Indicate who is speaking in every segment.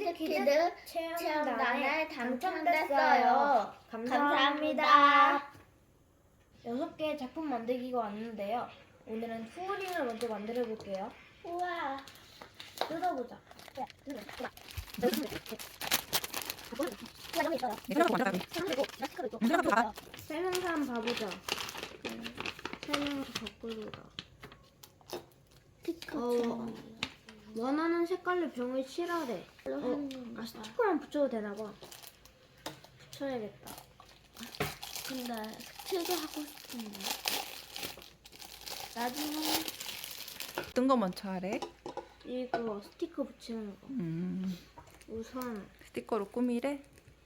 Speaker 1: 퀴즈 체험단에 당첨됐어요. 감사합니다.
Speaker 2: 6개의 작품 만들기가 왔는데요. 오늘은 후우링을 먼저 만들어 볼게요.
Speaker 1: 우와.
Speaker 2: 뜯어보자. 설명서 한번 봐보자. 설명서 거꾸로다.
Speaker 1: 스티커.
Speaker 2: 원하는 색깔로 병을 칠하래. 스티커랑 붙여도 되나봐. 붙여야겠다.
Speaker 1: 근데 스티커 하고 싶은데.
Speaker 2: 나중에
Speaker 3: 어떤 거 먼저 하래?
Speaker 2: 이거 스티커 붙이는 거. 우선
Speaker 3: 스티커로 꾸미래?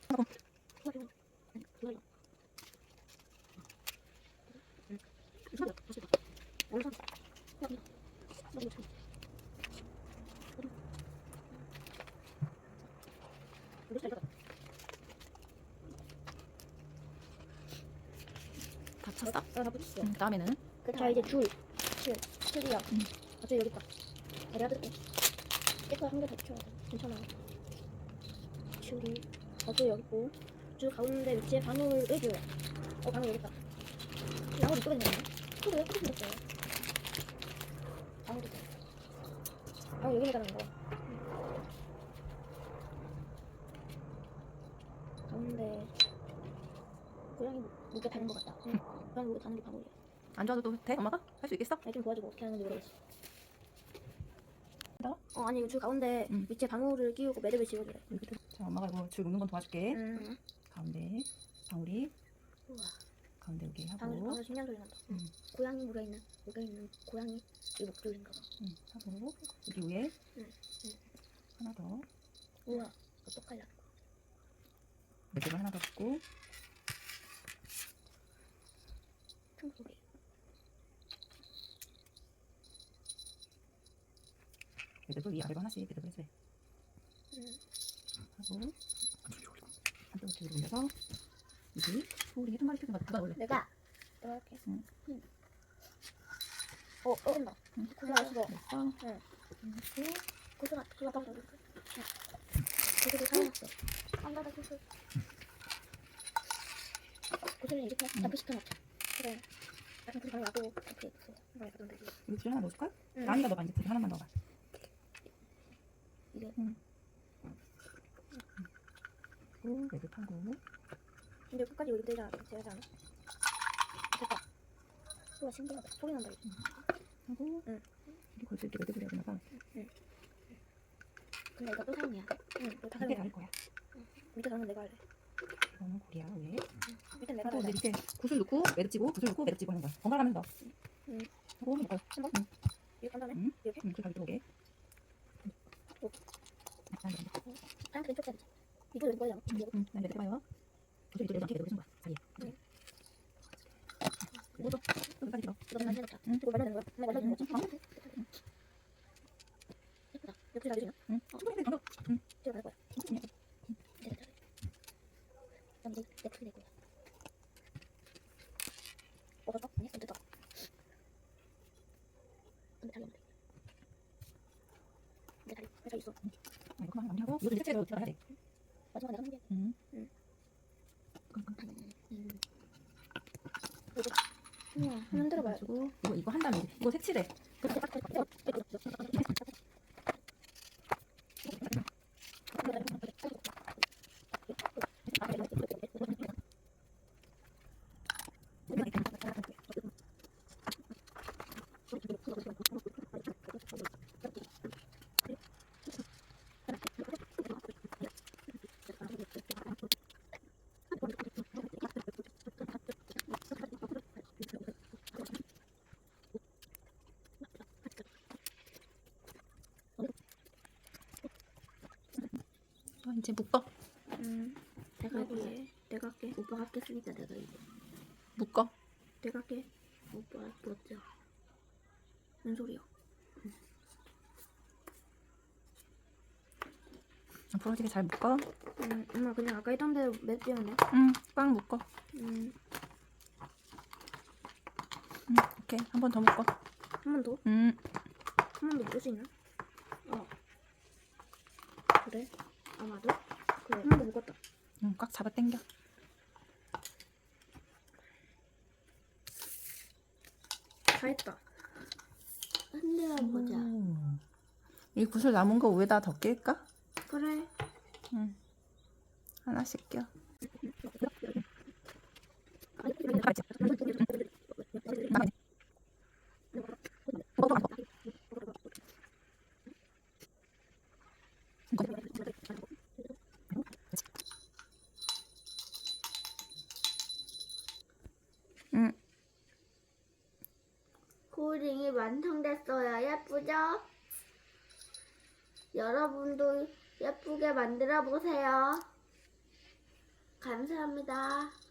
Speaker 3: 다 쳤어?
Speaker 2: 다 붙였어.
Speaker 3: 다음에는?
Speaker 2: 자 이제 줄이야. 어차피 여기 있다. 내가 뜯게. 스티커 한 개 더 붙여야 돼. 괜찮아. 줄이 어차피 여기 있고 줄 가운데 위치에 방울을 줘요. 방울 여기 있다. 방울 이쪽에 있네. 그래 왜 그렇게 생겼어요? 방울이 돼. 방울 여기 있다는 거. 가운데 고양이 목에 다는 것 같다. 고양이 목에 다는 게 방울이야.
Speaker 3: 안 좋아도 돼? 엄마가? 할 수 있겠어?
Speaker 2: 좀 도와주고 어떻게 하는지 모르겠어. 아니 이거 줄 가운데 위치에 방울을 끼우고 매듭을 지어주래.
Speaker 3: 자, 엄마가 이거 줄 묶는 건 도와줄게.
Speaker 2: 응.
Speaker 3: 가운데 방울이
Speaker 2: 우와.
Speaker 3: 가운데 여기 하고
Speaker 2: 방울 신기한 소리 난다. 고양이 목에 있는 고양이 이 목줄인가 봐.
Speaker 3: 하고 여기 위에
Speaker 2: 응.
Speaker 3: 하나 더
Speaker 2: 우와. 어떡하려고.
Speaker 3: 매듭을 하나 더 붙고
Speaker 2: 청소기.
Speaker 3: 매듭을 위아래로 하나씩 매듭을 해주래. 하고 한쪽을 뒤로 올려서 여기 소울이 한 마리 펴서 누가 올래?
Speaker 2: 내가 할게.
Speaker 3: 응.
Speaker 2: 된다. 고생 안 했어.
Speaker 3: 됐어.
Speaker 2: 고생 안 했어. 고생을 사용했어. 안 가다 고생. 고생을 이렇게 잡고 싶은 없죠. 그래. 나좀 고생 많이 와도 이렇게 있어. 많이 가던 되지.
Speaker 3: 여기 줄 하나 넣어줄까?
Speaker 2: 응.
Speaker 3: 나은이가 넣어봐. 이제 줄 하나만 넣어봐.
Speaker 2: 이게
Speaker 3: 그리고 매듭하고
Speaker 2: 근데 끝까지 여기 되지 않아? 않아? 됐다. 우와 신기하다. 소리 난다 이제.
Speaker 3: 하고 여기 걸칠 때 매듭을 해야 되나봐.
Speaker 2: 근데 이거 또 사용해야 돼? 응. 이거 다
Speaker 3: 밑에
Speaker 2: 사용해.
Speaker 3: 갈 거야.
Speaker 2: 밑에 가는 건 내가 할래.
Speaker 3: 이거는 고리야 위에.
Speaker 2: 밑에 내가
Speaker 3: 하고
Speaker 2: 할래.
Speaker 3: 이제 밑에 굿을 넣고 매듭 찌고 굿을 넣고 매듭 찌고 하는 거야. 번갈아가면서. 하고 묶어요.
Speaker 2: 한 번? 이렇게 한 다음에 이렇게?
Speaker 3: 그 가위 들어오게.
Speaker 2: 하얀 왼쪽 해야지. 이거 왼쪽에 잡아.
Speaker 3: 난 매듭 해봐요. 굿을 이쪽에 이렇게 매듭을 해준 거야. 사이에. 그리고 또 여기까지 들어.
Speaker 2: 이거 많이 해놓자. 이거 말려야 되는 거야? 엄마 말려야 되는 거지? 예쁘다. 옆에 잘 되지나?
Speaker 3: 충분히 돼. 정도.
Speaker 2: 제가 갈 거야. 됐다. 그럼 이제 내 크게 될 거야. 먹었어? 아니, 좀 됐다. 근데 다리 없네. 내 다리 있어.
Speaker 3: 이거만 마무리하고 이거 이제 채로 들어가야 돼.
Speaker 2: 마지막에 내가 한게 우와, 한번 흔들어봐요.
Speaker 3: 이거 한 다음에 이거 색칠해. 이제 묶어.
Speaker 2: 내가 할게. 오빠가 할겠으니까 내가 이제.
Speaker 3: 묶어.
Speaker 2: 내가 할게. 오빠 부럽죠. 뭔 소리야?
Speaker 3: 부러지게 잘 묶어.
Speaker 2: 엄마 그냥 아까 했던 대로 맺으면 돼?
Speaker 3: 꽉 묶어. 오케이. 한 번 더 묶어.
Speaker 2: 한 번 더?
Speaker 3: 음.
Speaker 2: 한 번 더 묶을 수 있나? 그래? 아마도. 그래, 이거 묶었다.
Speaker 3: 응, 꽉 잡아 당겨.
Speaker 2: 다 했다.
Speaker 1: 흔들어 보자.
Speaker 3: 이 구슬 남은 거 위에다 더 낄까?
Speaker 2: 그래.
Speaker 3: 응. 하나씩 껴. 응.
Speaker 1: 코딩이 완성됐어요. 예쁘죠? 여러분도 예쁘게 만들어 보세요. 감사합니다.